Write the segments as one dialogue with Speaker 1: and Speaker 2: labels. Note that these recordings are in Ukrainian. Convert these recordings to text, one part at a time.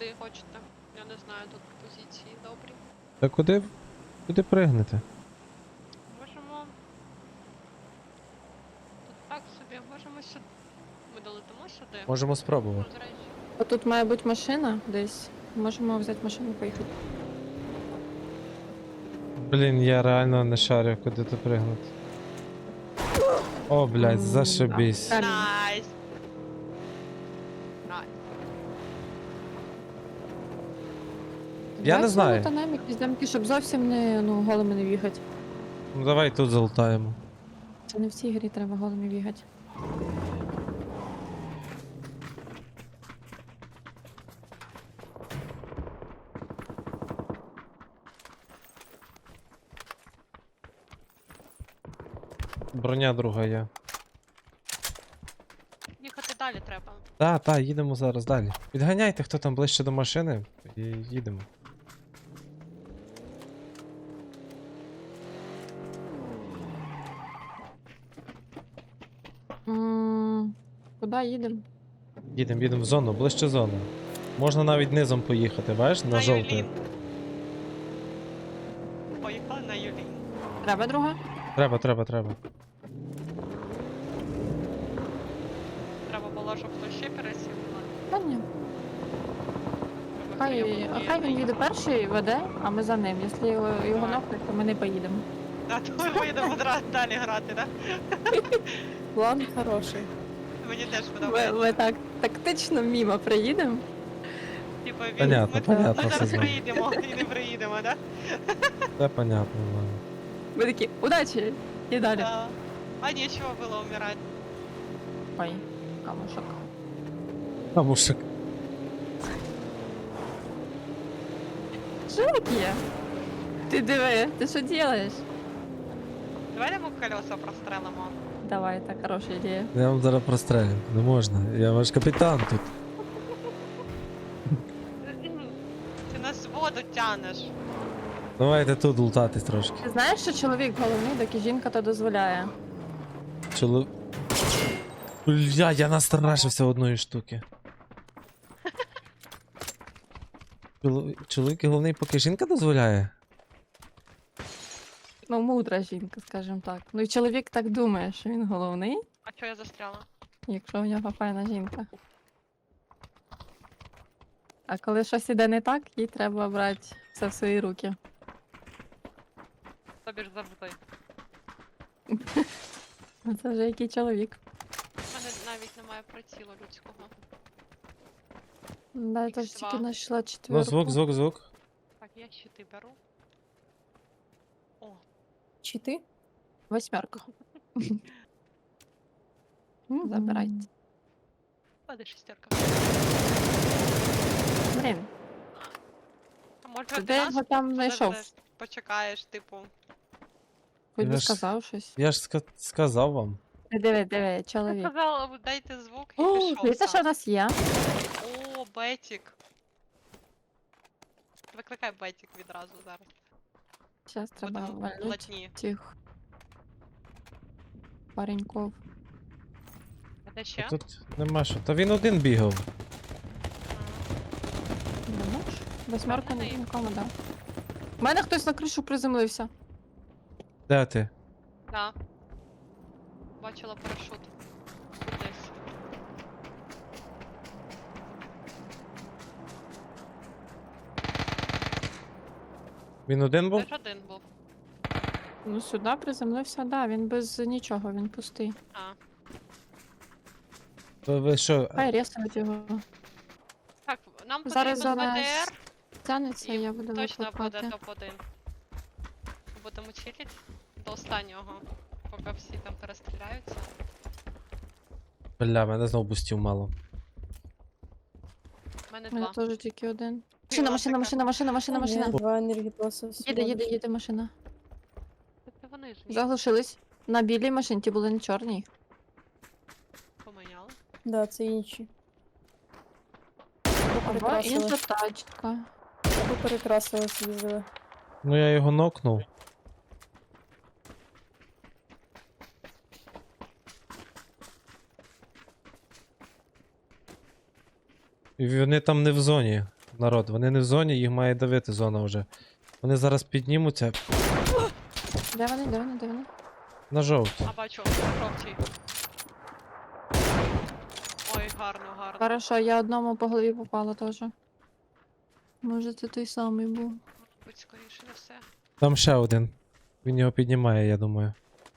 Speaker 1: куди хочете. Я не знаю, тут позиції добрі.
Speaker 2: Та куди пригнете?
Speaker 1: Можемо. Тут так собі, можемо сюди. Ми долетимо сюди.
Speaker 2: Можемо спробувати.
Speaker 1: Ну, до речі.
Speaker 3: А тут має бути машина десь. Можемо взяти машину і поїхати.
Speaker 2: Блін, я реально не шарю, куди ти пригнути. О, блядь, зашибись.
Speaker 3: Так.
Speaker 1: Найс! Найс.
Speaker 2: Я не знаю.
Speaker 3: Там якісь дамки, щоб зовсім не голими не бігати.
Speaker 2: Ну давай тут залутаємо.
Speaker 3: Це не в цій грі треба голими бігати.
Speaker 2: Броня друга є.
Speaker 1: Їхати далі треба.
Speaker 2: Та, їдемо зараз далі. Підганяйте, хто там ближче до машини, і їдемо.
Speaker 3: Куди їдемо?
Speaker 2: Їдемо в зону, ближче зону. Можна навіть низом поїхати, бачиш, на жовтий.
Speaker 1: Юлін. Поїхали на Юлін.
Speaker 3: Треба друга?
Speaker 2: Треба.
Speaker 1: Треба було, щоб хтось ще пересів.
Speaker 3: Та ні. Хай він їде перший, веде, а ми за ним. Якщо його нокнуть, то ми не поїдемо.
Speaker 1: А то ми поїдемо далі грати, так?
Speaker 3: План хороший.
Speaker 1: Мені теж подобається.
Speaker 3: Ми так тактично мімо приїдемо.
Speaker 1: Типа
Speaker 2: Понятно, понятно,
Speaker 1: ми
Speaker 2: все
Speaker 1: зараз
Speaker 2: знаю.
Speaker 1: приїдемо і не приїдемо, так?
Speaker 2: Це понятно, ладно.
Speaker 3: Ми такі, удачі! І далі.
Speaker 1: Да. А нечего было умирать.
Speaker 3: Ой, камушок.
Speaker 2: Камушек.
Speaker 3: Що таке? Ти диви, ти що робиш?
Speaker 1: Давай йому колеса прострелимо.
Speaker 3: Давай, так хороша ідея.
Speaker 2: Я вам зараз прострелю. Не можна. Я ваш капітан тут.
Speaker 1: Ти нас в воду тянеш.
Speaker 2: Давайте тут лутатись трошки.
Speaker 3: Ти знаєш, що чоловік головний, доки жінка то дозволяє?
Speaker 2: Бля, я настрашився одної штуки. Чоловік головний, поки жінка дозволяє?
Speaker 3: Ну, мудра жінка, скажімо так. Ну і чоловік так думає, що він головний,
Speaker 1: А чого я застряла?
Speaker 3: якщо в нього файна жінка. А коли щось іде не так, їй треба брати все в свої руки.
Speaker 1: Тобі ж завжди.
Speaker 3: Ну, це вже який чоловік.
Speaker 1: У мене навіть немає прицілу людського.
Speaker 3: Да, я теж
Speaker 1: Х2.
Speaker 3: тільки знайшла
Speaker 2: Ну,
Speaker 3: четвірку.
Speaker 2: звук.
Speaker 1: Так, я щити беру. О,
Speaker 3: Чити? Восьмерку. Забирайте.
Speaker 1: паде шестерка.
Speaker 3: Блін,
Speaker 1: А може
Speaker 3: ти
Speaker 1: ти
Speaker 3: де
Speaker 1: нас
Speaker 3: його там знайшов?
Speaker 1: подождеш, почекаєш, типу.
Speaker 3: Хоч би
Speaker 2: Я ж-
Speaker 3: сказав щось.
Speaker 2: Я ж сказав вам.
Speaker 3: Диви,
Speaker 1: Ти
Speaker 3: чоловік.
Speaker 1: сказала, дайте звук і
Speaker 3: О,
Speaker 1: пішов
Speaker 3: дивіться, що в
Speaker 1: сам.
Speaker 3: нас є.
Speaker 1: О, Бетік. Викликай Бетік відразу зараз.
Speaker 3: Зараз треба
Speaker 1: Будемо
Speaker 3: вальнуть
Speaker 1: плотні.
Speaker 3: цих пареньков.
Speaker 1: А де ще?
Speaker 2: Тут нема що. Та він один бігав.
Speaker 3: Думаєш? Восьмерку
Speaker 1: Впевнений?
Speaker 3: нікому дав. У мене хтось на кришу приземлився.
Speaker 2: Де ти?
Speaker 1: Да. Бачила парашут. Тут десь.
Speaker 2: Він один був?
Speaker 1: Теж один був.
Speaker 3: Ну сюди приземлився, да, він без нічого, він пустий.
Speaker 1: А.
Speaker 2: Ви що?
Speaker 3: Хай ресують його.
Speaker 1: Так, нам
Speaker 3: Зараз
Speaker 1: потрібен
Speaker 3: за
Speaker 1: БТР.
Speaker 3: Тянеться,
Speaker 1: І
Speaker 3: я буду
Speaker 1: точно буде
Speaker 3: викликати.
Speaker 1: топ-1. Будемо чилить до останнього, поки всі там перестріляються.
Speaker 2: Бля, мене знов бустів мало.
Speaker 1: У мене
Speaker 3: У мене
Speaker 1: два.
Speaker 3: теж тільки один.
Speaker 1: Біла
Speaker 3: Машина.
Speaker 1: така.
Speaker 4: Два енергетоси.
Speaker 3: Їде машина.
Speaker 1: Тобто вони ж їх
Speaker 3: Заглушились. На білій машині, ті були не чорні.
Speaker 1: поміняли.
Speaker 4: Да, це інші.
Speaker 3: Або інша тачка.
Speaker 4: Або перекрасили з'їздили.
Speaker 2: Ну я його нокнув. І вони там не в зоні. народ. Вони не в зоні, їх має давити зона вже. Вони зараз піднімуться
Speaker 3: Де вони, де вони, де вони?
Speaker 2: на жовтій.
Speaker 1: А бачу, жовтій. Ой, гарно, гарно.
Speaker 3: Хорошо, я одному по голові попала теж. Може це той самий був.
Speaker 1: Будь скоріше за все.
Speaker 2: Там ще один. Він його піднімає, я думаю.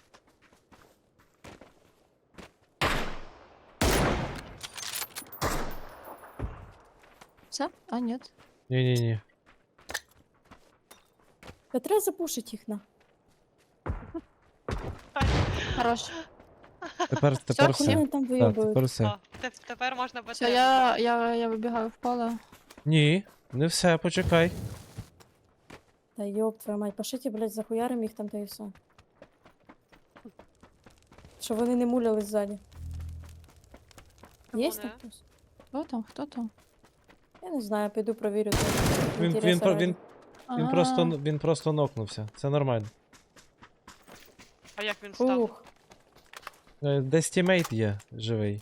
Speaker 3: Все? А, ні.
Speaker 2: Ні-ні-ні.
Speaker 4: Та треба запушити їх на.
Speaker 3: Хорош.
Speaker 2: Тепер
Speaker 3: Всё,
Speaker 2: все.
Speaker 4: Вони там
Speaker 2: Так,
Speaker 4: вийобують.
Speaker 2: тепер все.
Speaker 1: О, тепер можна бити.
Speaker 3: Все, я вибігаю в поле.
Speaker 2: Ні, не все, почекай.
Speaker 4: Та йоп, твою мать, пошліть, блядь, захуярим їх там та і все. Щоб вони не муляли ззаді.
Speaker 1: Чому
Speaker 4: Є
Speaker 1: не?
Speaker 4: там хтось?
Speaker 3: Хто там? Хто там?
Speaker 4: Я не знаю, піду провірю. то
Speaker 2: Він,
Speaker 4: інтереса
Speaker 2: він, про-
Speaker 4: ради.
Speaker 2: він просто нокнувся. Це нормально.
Speaker 1: А як він став?
Speaker 4: Ух,
Speaker 2: Десь тімейт є живий.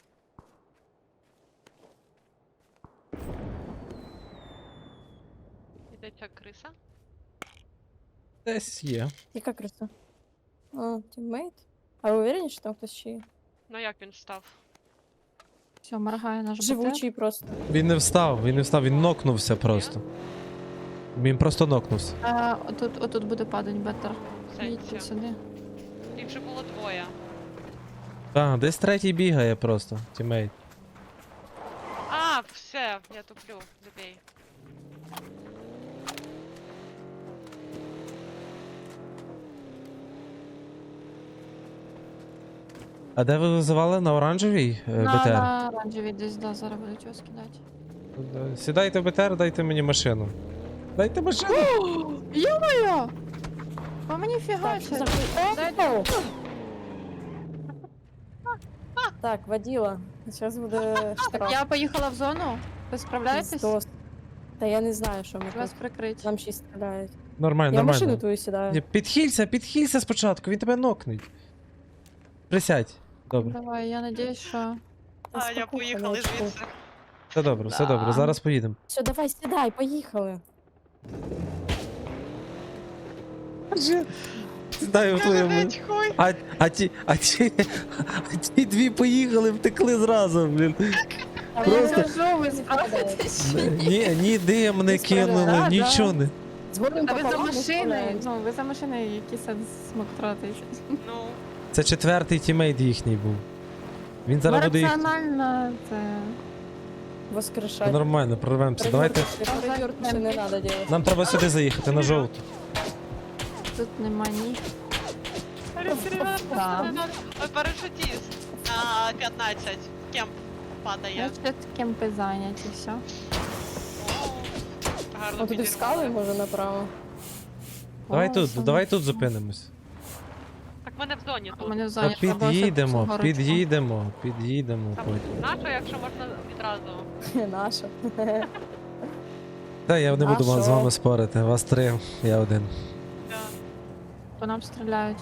Speaker 1: Іде ця криса?
Speaker 2: Десь є.
Speaker 4: яка краса. О, тіммейт? А ви уверені, що там хтось ще є?
Speaker 1: Ну як він став?
Speaker 3: Все, моргає наш БТР.
Speaker 4: Живучий просто.
Speaker 2: Він не встав, він нокнувся просто. Він просто нокнувся.
Speaker 3: Отут буде падать бетер.
Speaker 1: В
Speaker 3: Їдьте
Speaker 1: сенсі.
Speaker 3: сюди.
Speaker 1: Їх вже було двоє.
Speaker 2: Так, десь третій бігає просто, тімейт.
Speaker 1: А, все, я туплю, забей.
Speaker 2: А де ви визивали? На оранжевій БТР?
Speaker 3: На оранжевій десь, да, зараз будуть його скидати.
Speaker 2: Сідайте в БТР, дайте мені машину. Дайте машину!
Speaker 3: Йо-моє! По мені
Speaker 4: Так,
Speaker 3: фігачить.
Speaker 4: Дайте. Так, водила. Зараз буде штраф.
Speaker 3: Я поїхала в зону. Ви справляєтесь?
Speaker 4: Пиздос. Та я не знаю, що ми
Speaker 3: Вас
Speaker 4: тут.
Speaker 3: прикрить.
Speaker 4: Нам ще й стріляють.
Speaker 2: Нормально,
Speaker 4: Я в
Speaker 2: нормально.
Speaker 4: машину твою сідаю.
Speaker 2: Ні, підхилься спочатку, він тебе нокнеть. Присядь. Добре.
Speaker 3: Давай, я надіюсь, що...
Speaker 4: Та
Speaker 1: А, я
Speaker 4: спокуха,
Speaker 1: поїхали
Speaker 4: ночку.
Speaker 1: звідси.
Speaker 2: Все добре, все
Speaker 3: Да.
Speaker 2: добре. Зараз поїдемо.
Speaker 4: Все, давай, сідай, поїхали.
Speaker 2: Знаю,
Speaker 1: Блять, хуй.
Speaker 2: а ті дві поїхали, втекли зразу, блін.
Speaker 3: Я
Speaker 2: Просто-
Speaker 3: кажу, ви справитесь.
Speaker 2: Ні дим не
Speaker 4: Не
Speaker 2: кинули,
Speaker 3: справляюсь.
Speaker 2: нічого не.
Speaker 4: Дзвонимо
Speaker 3: Та ви за
Speaker 4: пополам, не
Speaker 3: машиною.
Speaker 4: справляємось.
Speaker 3: Ну, ви за машиною, який сенс смог тратити.
Speaker 1: Ну,
Speaker 2: Це четвертий тімейт їхній був. Він зараз буде їх.
Speaker 3: Раціонально це...
Speaker 4: Воскрешать.
Speaker 2: Нормально, прорвемося. Давайте.
Speaker 4: Перевертуши не надо делать.
Speaker 2: Нам треба сюди заїхати на жовту.
Speaker 3: Тут нема ні.
Speaker 1: Ой, парашутіст. На 15. Кемп падає.
Speaker 3: Значить, кемпи зайняті, все.
Speaker 1: О, гарно
Speaker 4: Ну туди в скали,
Speaker 1: підірвали.
Speaker 4: може, направо.
Speaker 2: Давай тут зупинимось.
Speaker 1: Так мене в зоні
Speaker 3: У
Speaker 1: тут.
Speaker 3: мене в
Speaker 2: Та
Speaker 3: зоні.
Speaker 2: під'їдемо
Speaker 3: Під'їдемо.
Speaker 2: потім.
Speaker 1: Нащо, якщо можна відразу?
Speaker 4: Наша.
Speaker 2: Та я не
Speaker 4: А
Speaker 2: буду
Speaker 4: що?
Speaker 2: з вами спорити. Вас три, я один.
Speaker 1: Да.
Speaker 3: По нам стріляють.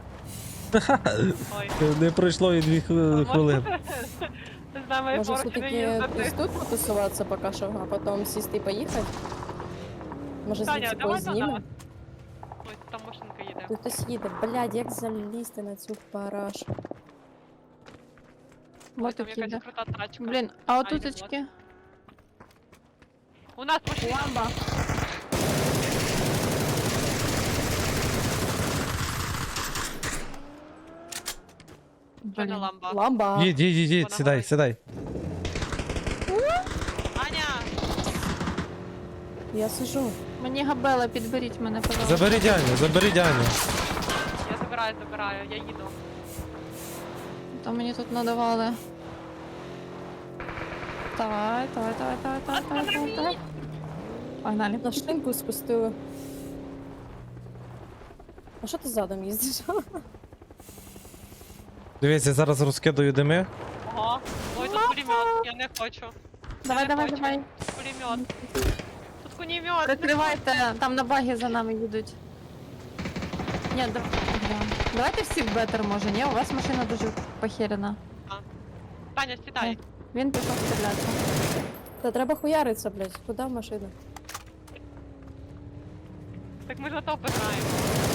Speaker 1: Ой.
Speaker 2: Не пройшло і 2 хвилини.
Speaker 1: З нами
Speaker 4: Може,
Speaker 1: поруч не
Speaker 4: все-таки
Speaker 1: їздити.
Speaker 4: десь тут потусуватися поки що, а потім сісти і поїхати? Може,
Speaker 1: Таня,
Speaker 4: звідси
Speaker 1: давай
Speaker 4: когось
Speaker 1: до
Speaker 4: зніме?
Speaker 1: нас. Ой, там машинка їде.
Speaker 4: Тут хтось їде. Блядь, як залізти на цю парашу?
Speaker 1: Ой,
Speaker 3: Вот
Speaker 1: там
Speaker 3: тут
Speaker 1: якась
Speaker 3: їде.
Speaker 1: крута тачка.
Speaker 3: Блін, а отуточки?
Speaker 1: У нас машина.
Speaker 3: Ламба.
Speaker 1: Що не
Speaker 3: Блін.
Speaker 1: ламба?
Speaker 4: Ламба.
Speaker 2: Їдь,
Speaker 1: Вона
Speaker 2: сідай,
Speaker 1: горить.
Speaker 2: сідай.
Speaker 1: Аня!
Speaker 4: Я сижу.
Speaker 3: Мені габела, підберіть мене, пожалуйста.
Speaker 2: Забери Дяню.
Speaker 1: Я забираю, я їду.
Speaker 3: То мені тут надавали. Давай. Погнали.
Speaker 4: На шинку спустили. А що ти задом їздиш?
Speaker 2: Дивіться, я зараз розкидаю дими.
Speaker 1: Ого. Ой, тут пулемет, я не хочу.
Speaker 3: Давай.
Speaker 1: Пулемет. Тут кунемет.
Speaker 3: Прикривайте, там на багі за нами їдуть. Ні, давайте всі в бетер, може, ні? У вас машина дуже похерена.
Speaker 1: Таня, сідай.
Speaker 3: Він пішов стріляти.
Speaker 4: Та треба хуяритися, блядь. Куди в машину?
Speaker 1: Так ми ж на топи граємо.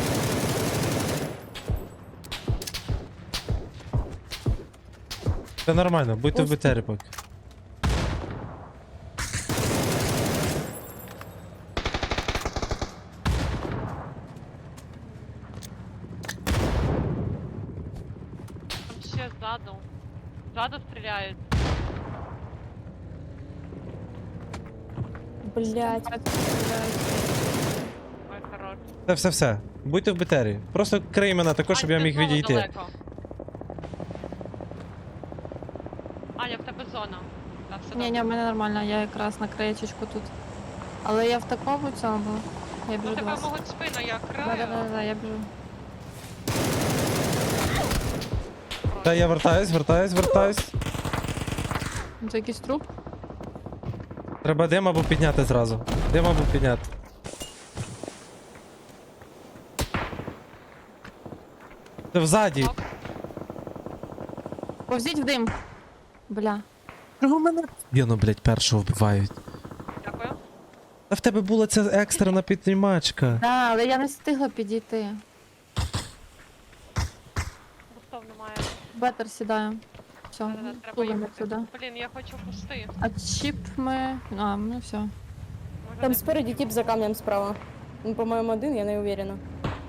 Speaker 2: Це нормально, будьте в БТРі поки.
Speaker 1: Там ще ззаду. Ззаду стріляють.
Speaker 4: Блядь.
Speaker 1: Ой, хорош.
Speaker 2: Все. Будьте в БТРі. Просто крий мене також, щоб я
Speaker 1: Ань, ти
Speaker 2: міг
Speaker 1: знову
Speaker 2: відійти.
Speaker 1: далеко. Аня, в тебе зона. Так, все
Speaker 3: Ні,
Speaker 1: добре.
Speaker 3: в мене нормально, я якраз на краєчечку тут. Але я в такому цьому. Я
Speaker 1: Ну
Speaker 3: біжу до
Speaker 1: тебе
Speaker 3: вас.
Speaker 1: можуть спину, я краю.
Speaker 3: Да, я біжу.
Speaker 2: Та я вертаюсь.
Speaker 3: Це якийсь труп?
Speaker 2: Треба дим або підняти зразу. Дим або підняти. Це взаді.
Speaker 1: Ок.
Speaker 3: Повзіть в дим. Бля.
Speaker 2: Чого мене? Єно, блядь, першого вбивають.
Speaker 1: Дякую.
Speaker 2: Та в тебе була ця екстрена піднімачка.
Speaker 3: Да, але я не встигла підійти.
Speaker 1: Густов немає.
Speaker 3: Бетер сідає. Все,
Speaker 1: Да-да-да, треба
Speaker 3: тулимо
Speaker 1: їхати.
Speaker 3: сюди.
Speaker 1: Блін, я хочу пусти.
Speaker 3: А чіп ми... А, ну все.
Speaker 1: Може,
Speaker 4: Там
Speaker 1: не-
Speaker 4: спереді тип за камнем справа. Він, по-моєму, один, я не уверена.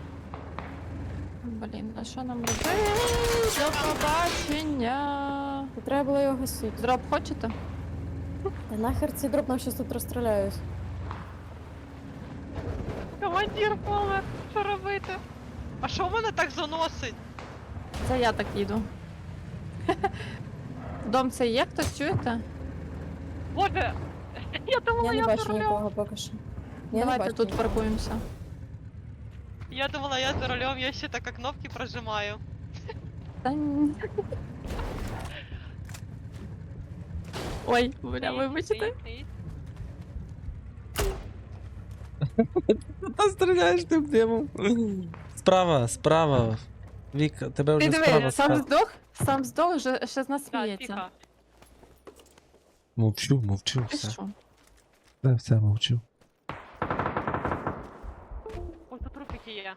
Speaker 3: Блін, а що нам робити? До побачення.
Speaker 4: То треба було його гасити.
Speaker 3: Дроп хочете?
Speaker 4: Та нахер цей дроп нам щас тут розстріляють.
Speaker 1: Командир помер. Що робити? А що в мене так заносить?
Speaker 3: Це я так їду. Дом це є, хтось чуєте?
Speaker 1: Боже! Я думала,
Speaker 4: Я
Speaker 1: я,
Speaker 4: не
Speaker 1: за
Speaker 4: бачу
Speaker 1: рулем.
Speaker 4: нікого поки що. Я не
Speaker 3: Давайте
Speaker 4: бачу
Speaker 3: тут
Speaker 4: нікого.
Speaker 3: паркуємося.
Speaker 1: Я думала, я за рулем, я ще так кнопки прожимаю.
Speaker 3: Та ні. Ой, бля,
Speaker 1: Стоїть,
Speaker 3: вибачте.
Speaker 1: стоїть, стоїть.
Speaker 2: Та стріляєш тим димом. Справа. Віка, тебе
Speaker 3: Ти
Speaker 2: вже
Speaker 3: диви,
Speaker 2: справа.
Speaker 3: сам здох, ще з нас
Speaker 1: Так,
Speaker 3: сміється.
Speaker 1: тихо.
Speaker 2: Мовчу,
Speaker 3: Ти
Speaker 2: все.
Speaker 3: що?
Speaker 2: Все, мовчу.
Speaker 1: Ой, тут трупики є.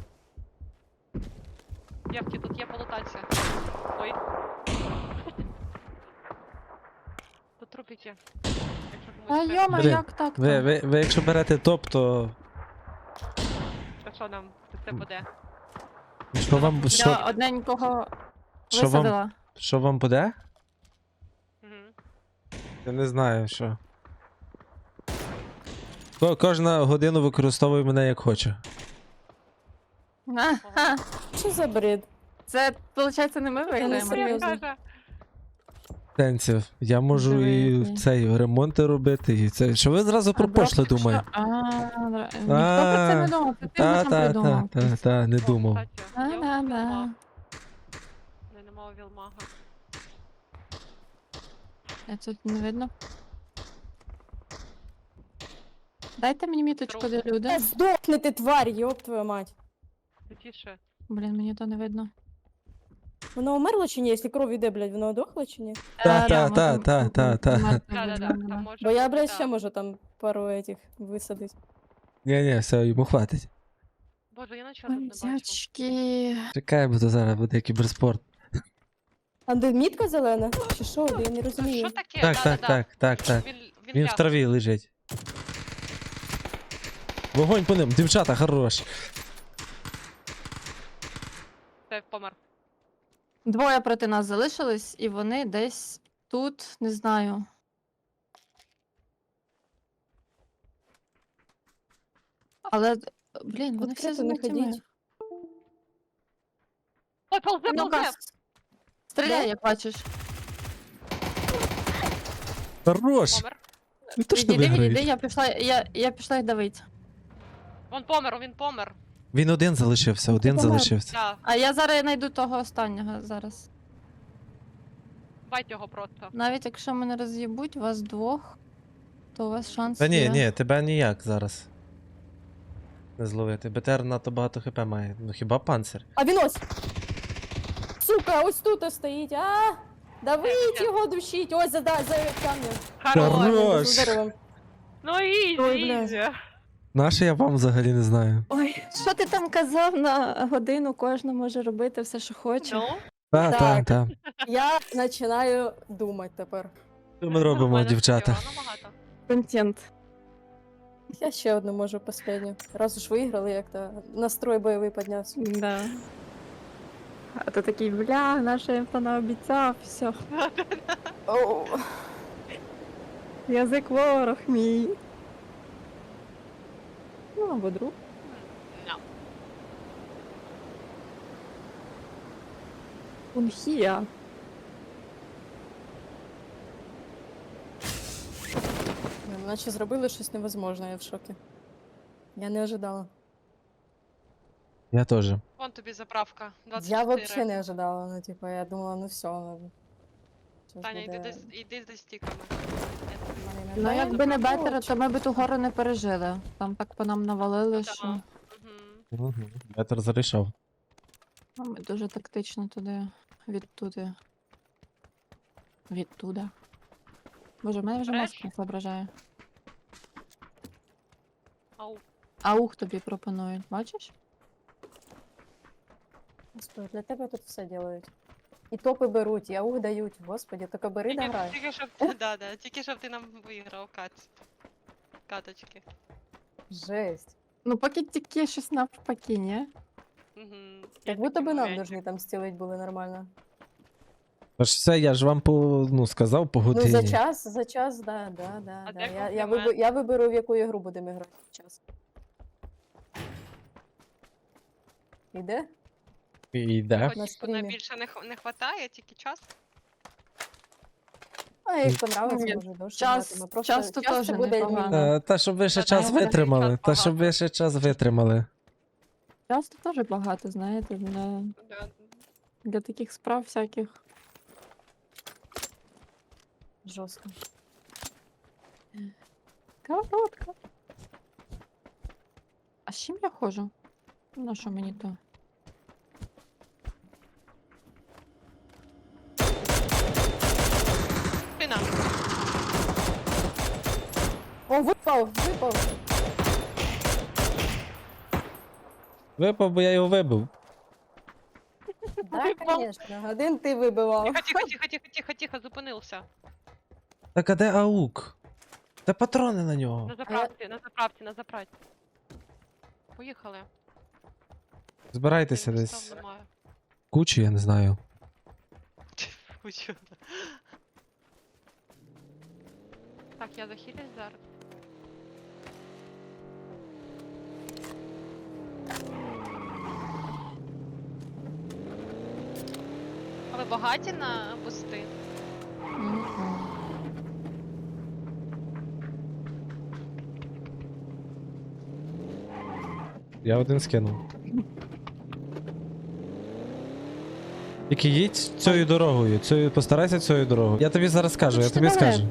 Speaker 1: Дівки, тут є полутація. Ой. Тут трупики. Якщо
Speaker 3: А
Speaker 1: комусь треба.
Speaker 3: йома,
Speaker 2: Блін,
Speaker 3: як так?
Speaker 2: Ви якщо берете топ, то
Speaker 1: Та що нам? Це буде?
Speaker 2: що вам
Speaker 3: Я
Speaker 2: що,
Speaker 3: одненького
Speaker 2: що вам
Speaker 3: висадила.
Speaker 2: що вам буде?
Speaker 1: Угу.
Speaker 2: Я не знаю, що. Кожна годину використовує мене як хоче.
Speaker 3: Ага.
Speaker 4: Що за бред?
Speaker 3: Це, виходить, не ми виграємо.
Speaker 4: серйозно.
Speaker 1: Каже,
Speaker 2: Сенсів. Я можу і
Speaker 3: Диви.
Speaker 2: цей ремонти робити, і це. Що ви зразу про пошле думаєте?
Speaker 3: Ніхто про це не думав, це ти нам придумав.
Speaker 2: Та, не думав.
Speaker 1: кстати, я
Speaker 3: Да-да-да.
Speaker 1: вілмаг. Не немає вілмага.
Speaker 3: Я тут не видно. Дайте мені міточку, де люди.
Speaker 4: Та здохни ти, тварь, йоп твою мать.
Speaker 1: Тихіше.
Speaker 3: Блін, мені то не видно.
Speaker 4: Воно умерло чи ні? Якщо кров іде, блядь, воно дохло чи ні?
Speaker 2: Та.
Speaker 1: Да-да-да, там може
Speaker 4: Бо я,
Speaker 1: бути,
Speaker 4: блядь,
Speaker 1: да.
Speaker 4: ще можу там пару этих висадити.
Speaker 2: Ні, все, йому хватить.
Speaker 1: Боже, я нічого тут не бачу.
Speaker 3: Дячки.
Speaker 2: Чекай, бо то зараз буде кіберспорт.
Speaker 4: А де мітка зелена? Чи що? Я не
Speaker 1: Що
Speaker 4: розумію.
Speaker 1: таке?
Speaker 2: Так,
Speaker 1: Да-да-да.
Speaker 2: так.
Speaker 1: Він
Speaker 2: Він в
Speaker 1: ляг.
Speaker 2: траві лежить. Вогонь по ним, дівчата, хорош.
Speaker 1: Це помер.
Speaker 3: Двоє проти нас залишились, і вони десь тут, не знаю. Але, блін, вони всі
Speaker 4: Відкрито не
Speaker 3: змитими.
Speaker 4: ходіть.
Speaker 1: Ой, ползе,
Speaker 3: Ну-ка,
Speaker 1: ползе!
Speaker 3: стріляй,
Speaker 4: Де?
Speaker 3: як бачиш.
Speaker 2: Хорош.
Speaker 1: Помер.
Speaker 2: Ви то що
Speaker 3: Відійди, відійди,
Speaker 2: виграєте?
Speaker 3: я пішла їх давити.
Speaker 1: Він помер.
Speaker 2: Він один залишився, один
Speaker 4: помер.
Speaker 2: залишився.
Speaker 1: Да,
Speaker 3: А я зараз знайду того останнього зараз.
Speaker 1: бать його просто.
Speaker 3: Навіть якщо мене роз'їбуть, вас двох, то у вас шанс
Speaker 2: Та
Speaker 3: є.
Speaker 2: ні, тебе ніяк зараз. Не зловити. БТР надто багато хп має. Ну хіба панцир?
Speaker 4: А він ось! Сука, ось тут стоїть, а! Давить його, душіть! Ось за камнем.
Speaker 2: Хорош!
Speaker 4: За деревом.
Speaker 1: Ну
Speaker 4: Ой, бля.
Speaker 1: ізі.
Speaker 2: Наше я вам взагалі не знаю.
Speaker 3: Ой, що ти там казав на годину, кожен може робити все, що хоче.
Speaker 1: Ну,
Speaker 2: Та, та,
Speaker 4: Так.
Speaker 2: та.
Speaker 4: Я починаю думати тепер.
Speaker 2: Що ми робимо,
Speaker 1: нормально,
Speaker 2: дівчата?
Speaker 1: всього, ну, багато.
Speaker 3: Контент.
Speaker 4: Я ще одну можу последню. Раз уж виграли, як-то настрой бойовий піднявся.
Speaker 3: Да. А то такий, бля, наша інфа наобіцяв, все.
Speaker 4: Оу.
Speaker 3: Язик ворог мій. Ну, або друг.
Speaker 1: No.
Speaker 3: Унхія.
Speaker 4: Наче зробили щось невозможне, я в шокі. Я не ожидала.
Speaker 2: Я теж.
Speaker 1: Вон тобі заправка.
Speaker 4: Я
Speaker 1: 24.
Speaker 4: взагалі не ожидала. Ну, типа, я думала, ну все. Ну, щось
Speaker 1: Таня,
Speaker 4: буде-
Speaker 1: йди за стіками.
Speaker 4: Мене не
Speaker 3: Ну,
Speaker 4: знаю.
Speaker 3: якби не бетера, то ми б ту гору не пережили. Там так по нам навалили, що
Speaker 1: Ага. Мгм.
Speaker 2: Ветер зарішав.
Speaker 3: ну, ми дуже тактично туди, відтуди. Відтуда. Боже, в мене вже
Speaker 1: Бреш?
Speaker 3: мозк не соображає.
Speaker 1: Ау.
Speaker 3: Аух тобі пропонують, бачиш?
Speaker 4: Господи, для тебе тут все делають. І топи беруть, і аух дають. Господи, тільки бери да грай.
Speaker 1: Тільки щоб тільки щоб ти нам виграв каточки.
Speaker 4: Жесть.
Speaker 3: Ну, поки тільки щось навпаки, ні?
Speaker 1: Мгм.
Speaker 4: Як
Speaker 1: Є
Speaker 4: будто
Speaker 1: такий
Speaker 4: би нам
Speaker 1: моментик.
Speaker 4: должны там стілить були нормально.
Speaker 2: Тож все, я ж вам сказав по
Speaker 4: Ну,
Speaker 2: годині.
Speaker 4: за час, да.
Speaker 1: А
Speaker 4: да.
Speaker 1: де
Speaker 4: Я
Speaker 1: комплімент?
Speaker 4: я виберу, в яку ігру будемо грати. Час. Іде?
Speaker 2: Йде.
Speaker 1: Хоч
Speaker 4: На
Speaker 1: їх
Speaker 4: стрімі.
Speaker 1: більше не хватає, тільки час.
Speaker 4: А як понравиться,
Speaker 3: Ні,
Speaker 4: може довше
Speaker 3: час-
Speaker 4: грати. Ми просто
Speaker 3: часто
Speaker 4: час це
Speaker 3: теж
Speaker 4: буде
Speaker 3: непогано.
Speaker 2: Та щоб ви ще
Speaker 1: Та
Speaker 2: час
Speaker 1: там
Speaker 2: витримали.
Speaker 1: час
Speaker 2: Та щоб ви
Speaker 1: багато.
Speaker 2: ще час витримали.
Speaker 3: Часто теж багато, знаєте,
Speaker 1: Да.
Speaker 3: для таких справ всяких.
Speaker 4: жорстко.
Speaker 3: Коротко. А з чим я ходжу? На що мені то?
Speaker 1: Спина.
Speaker 4: О, випав!
Speaker 2: Випав, бо я його вибив.
Speaker 4: Так,
Speaker 1: Випав.
Speaker 4: звісно. Один ти вибивав.
Speaker 1: Тихо, зупинився.
Speaker 2: Так а де аук? Та патрони на нього.
Speaker 1: На заправці. Поїхали.
Speaker 2: Збирайтеся
Speaker 1: Там
Speaker 2: десь.
Speaker 1: немає.
Speaker 2: Кучу, я не знаю.
Speaker 1: Кучу. Так, я захилюсь зараз. А ви багаті на бусти?
Speaker 2: Я один скинув. Тільки їдь цією дорогою, постарайся цією дорогою. Я тобі зараз скажу, я тобі скажу.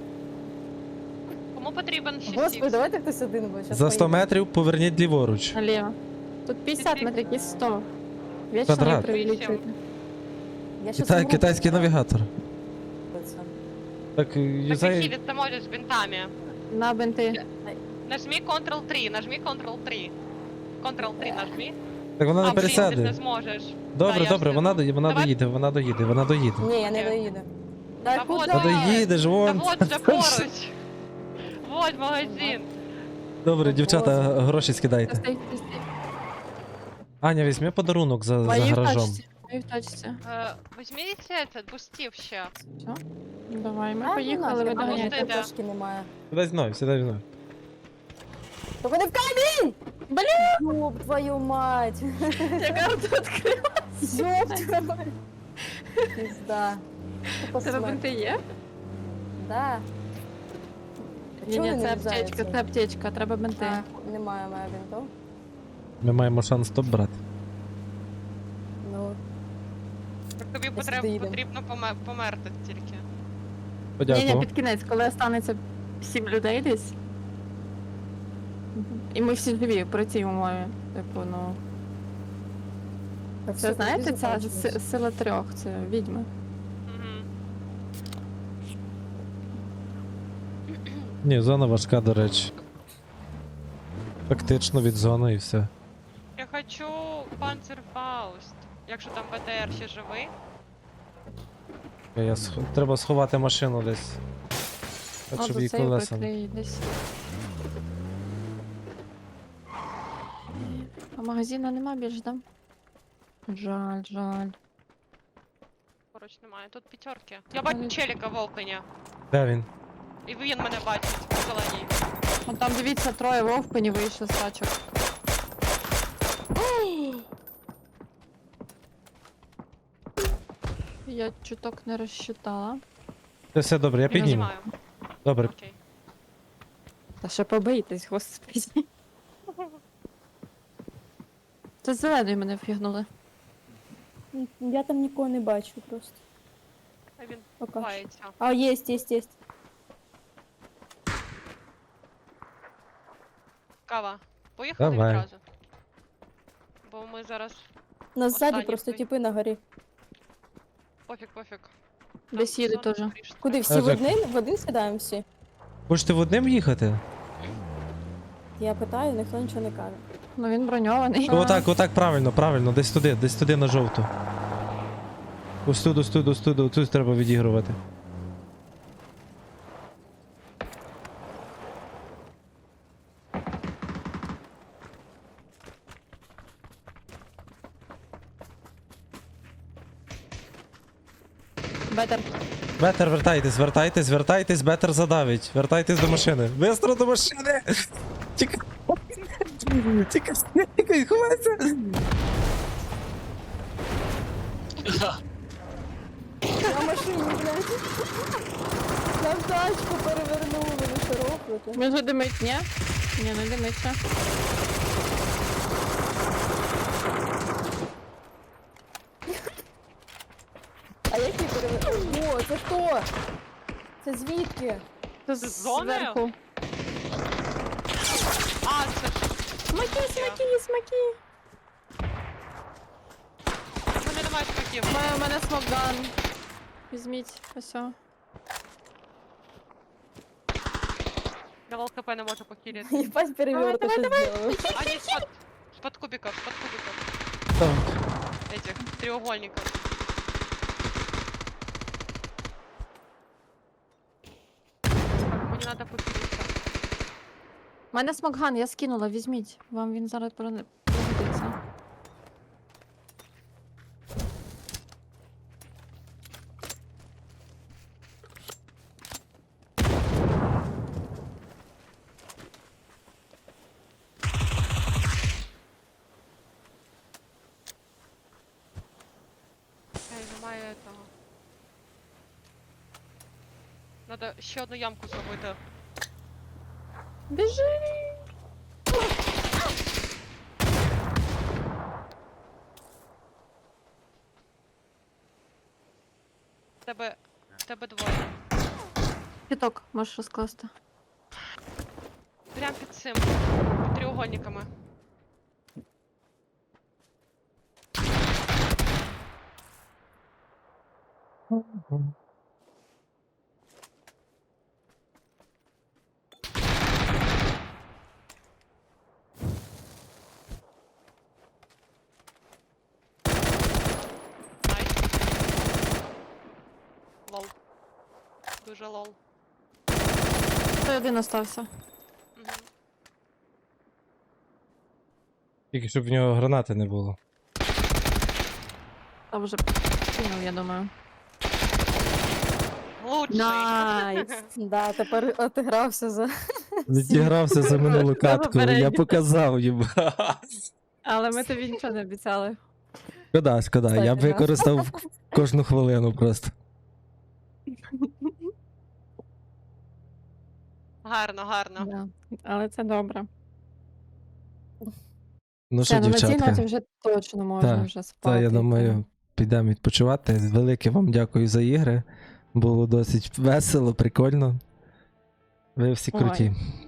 Speaker 1: Кому потрібен 6
Speaker 4: Господи, давайте хтось один буде. щас
Speaker 2: За 100
Speaker 4: поїдемо.
Speaker 2: метрів поверніть ліворуч.
Speaker 3: Наліво. Тут 50 метрів, якісь 100. Вічно
Speaker 2: Квадрат.
Speaker 3: не привлічуєте.
Speaker 4: Я щас умру.
Speaker 2: Китайський навігатор.
Speaker 4: Це.
Speaker 2: Так,
Speaker 1: Так
Speaker 2: юзай.
Speaker 1: захилиться можеш з бинтами.
Speaker 3: На бинти.
Speaker 1: Нажми Ctrl-3, нажми Ctrl-3. Ctrl-3 нажми.
Speaker 2: Так вона не
Speaker 1: А, блін, ти ж не
Speaker 2: пересяде.
Speaker 1: зможеш.
Speaker 2: Добре,
Speaker 1: я
Speaker 2: добре,
Speaker 1: ж
Speaker 2: вона
Speaker 1: не Давай.
Speaker 2: доїде, вона доїде.
Speaker 4: Ні, я не доїду.
Speaker 1: Та
Speaker 4: Та
Speaker 1: вот
Speaker 4: куди?
Speaker 2: Та
Speaker 1: Давай.
Speaker 2: доїдеш,
Speaker 1: Та
Speaker 2: вон.
Speaker 1: вот же поруч. Вот магазин.
Speaker 2: Добре, дівчата,
Speaker 4: Боже.
Speaker 2: гроші скидайте.
Speaker 3: Стій, стій, стій.
Speaker 2: Аня, візьми подарунок за
Speaker 3: Мої в
Speaker 2: гаражом.
Speaker 3: тачці. Мої в тачці.
Speaker 1: Візьміть це, бустів ще.
Speaker 3: Все. Давай, ми
Speaker 4: А,
Speaker 3: поїхали,
Speaker 4: ну,
Speaker 3: ви
Speaker 4: нафіг,
Speaker 1: доганяйте.
Speaker 3: доганяйте.
Speaker 4: мене трошки немає.
Speaker 2: Сідай мною.
Speaker 4: Тільки не в камінь! Блін! Ёб твою мать!
Speaker 3: Яка тут відкрила?
Speaker 4: Ёб твою мать! Пизда. Тупо
Speaker 3: Тебе
Speaker 4: смерть.
Speaker 3: бинти є?
Speaker 4: Да.
Speaker 3: Ні,
Speaker 4: Чого
Speaker 3: ні,
Speaker 4: вони
Speaker 3: це
Speaker 4: не
Speaker 3: аптечка,
Speaker 4: взяються?
Speaker 3: це аптечка, треба бинти.
Speaker 4: А, немає моя бінтов.
Speaker 2: Ми маємо шанс топ брати.
Speaker 4: Ну,
Speaker 1: Так тобі
Speaker 4: Десь доїдемо.
Speaker 1: потрібно померти тільки.
Speaker 3: Ні, ні,
Speaker 2: Подякував.
Speaker 3: під кінець, коли останеться 7 людей десь. І ми всі живі при цій умові. Типу, ну.
Speaker 4: так
Speaker 3: Це
Speaker 4: все,
Speaker 3: знаєте,
Speaker 4: тоді
Speaker 3: ця
Speaker 4: закінчилось.
Speaker 3: сила трьох, це відьми.
Speaker 1: Угу.
Speaker 2: Ні, зона важка, до речі. Фактично від зони і все.
Speaker 1: Я хочу Панцерфауст. Якщо там БТР ще живий.
Speaker 2: Треба сховати машину десь. Так,
Speaker 3: О,
Speaker 2: щоб
Speaker 3: за
Speaker 2: її
Speaker 3: цей
Speaker 2: колеса.
Speaker 3: викрий десь. А магазина нема більш, да? Жаль, жаль.
Speaker 1: Поруч немає. Тут п'ятерки. Я бачу челіка в окні.
Speaker 2: Де він?
Speaker 1: І він мене бачить в зеленій.
Speaker 3: О, там дивіться, троє вовпені вийшли з тачок. Я чуток не розчитала.
Speaker 2: Це все добре, я підніму.
Speaker 1: Знімаю.
Speaker 2: Добре.
Speaker 1: Окей.
Speaker 3: Та ще побийтесь, господи. Це з зеленою мене впігнули.
Speaker 4: Я там нікого не бачу просто.
Speaker 1: А він
Speaker 4: Поки що.
Speaker 1: ховається.
Speaker 4: А, єсть.
Speaker 1: Кава. Поїхали
Speaker 2: Давай.
Speaker 1: відразу. Бо ми зараз.
Speaker 4: Нас ззаді
Speaker 1: Останній
Speaker 4: просто
Speaker 1: хто-
Speaker 4: типи на горі.
Speaker 1: Пофіг.
Speaker 3: Десь їде
Speaker 1: зона
Speaker 3: теж.
Speaker 1: скоріше
Speaker 4: Куди
Speaker 1: треба.
Speaker 4: всі
Speaker 2: Жек.
Speaker 4: в один сідаємо всі?
Speaker 2: Хочете в одним їхати?
Speaker 4: Я питаю, ніхто нічого не каже.
Speaker 3: Ну він броньований.
Speaker 2: Отак, правильно, десь туди на жовту. Ось тут треба відігрувати.
Speaker 3: Бетер.
Speaker 2: Бетер, вертайтесь, бетер задавить. Вертайтесь до машини. Бистро до машини! Тікай! Тікай, ховайся!
Speaker 4: На машині, блядь. Нам тачку перевернули, ви що робите?
Speaker 3: Він же димить, ні? Ні, не димиться.
Speaker 4: А які перевернули? О, це хто? Це звідки?
Speaker 3: Це
Speaker 1: З зоною?
Speaker 3: зверху.
Speaker 1: А, це ж.
Speaker 3: Смаки, смаки.
Speaker 1: У мене немає смаків.
Speaker 3: У мене смокган. Візьміть, ось. о.
Speaker 1: Я ЛКП не можу похилити.
Speaker 4: Єбать переверту що зробили.
Speaker 1: А, ні, з-под кубиков.
Speaker 2: Так.
Speaker 1: Этих треугольников. Так, мені надо похилитися.
Speaker 3: У мене смокган, я скинула, візьміть. Вам він зараз пригодиться.
Speaker 1: Ей, немає этого. Надо ще одну ямку зробити.
Speaker 3: Біжи!
Speaker 1: В тебе двоє.
Speaker 3: Піток можеш розкласти.
Speaker 1: Прям під цим. Під треугольниками. Найс. Лол. Дуже лол.
Speaker 3: Той один остався.
Speaker 1: Мгм.
Speaker 2: Тільки щоб в нього гранати не було.
Speaker 3: Та вже кинув, я думаю.
Speaker 1: Лучший.
Speaker 3: Найс!
Speaker 4: Да, тепер отигрався за...
Speaker 2: Відігрався за минулу катку, я
Speaker 3: попередньо.
Speaker 2: показав їм.
Speaker 3: Але ми тобі нічого не обіцяли.
Speaker 2: Шкода, я б
Speaker 4: Кстати, да.
Speaker 2: використав кожну хвилину просто.
Speaker 1: Гарно.
Speaker 3: Да. Але це добре.
Speaker 2: Ну
Speaker 3: Все,
Speaker 2: що,
Speaker 3: ну на цій
Speaker 2: дівчатка,
Speaker 3: ноті вже точно можна
Speaker 2: Та,
Speaker 3: вже спати.
Speaker 2: та я думаю, підемо відпочивати. Велике вам дякую за ігри. Було досить весело, прикольно. Ви всі
Speaker 3: Ой.
Speaker 2: круті.